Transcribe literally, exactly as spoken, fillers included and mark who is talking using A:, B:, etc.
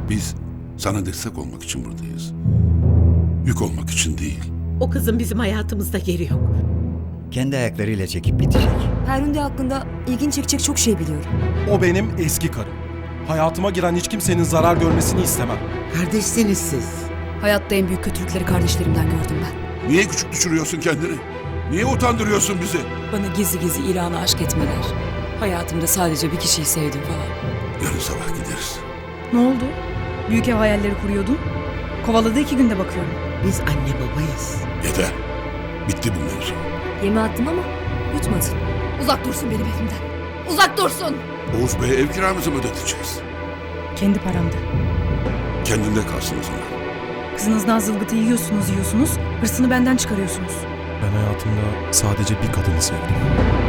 A: Biz sana destek olmak için buradayız. Yük olmak için değil.
B: O kızın bizim hayatımızda yeri yok.
C: Kendi ayaklarıyla çekip gidecek.
D: Ferhunde hakkında ilgin çekecek çok şey biliyorum.
E: O benim eski karım. Hayatıma giren hiç kimsenin zarar görmesini istemem.
F: Kardeşsiniz siz.
D: Hayatta en büyük kötülükleri kardeşlerimden gördüm ben.
A: Niye küçük düşürüyorsun kendini? Niye utandırıyorsun bizi?
G: Bana gizli gizli İran'a aşk etmeler. Hayatımda sadece bir kişiyi sevdim falan.
A: Yarın sabah gideriz.
H: Ne oldu? Büyük ev hayalleri kuruyordun. Kovaladı iki günde bakıyorum.
F: Biz anne babayız.
A: Yeter. Bitti bu mevzu.
D: Yeme attım ama yutmadın. Uzak dursun benim evimden. Uzak dursun!
A: Oğuz Bey'e ev kiramızı mı ödeteceğiz?
H: Kendi paramda.
A: Kendinde kalsın o zaman.
H: Kızınızdan zılgıtı yiyorsunuz yiyorsunuz. Hırsını benden çıkarıyorsunuz.
E: Ben hayatımda sadece bir kadını sevdim.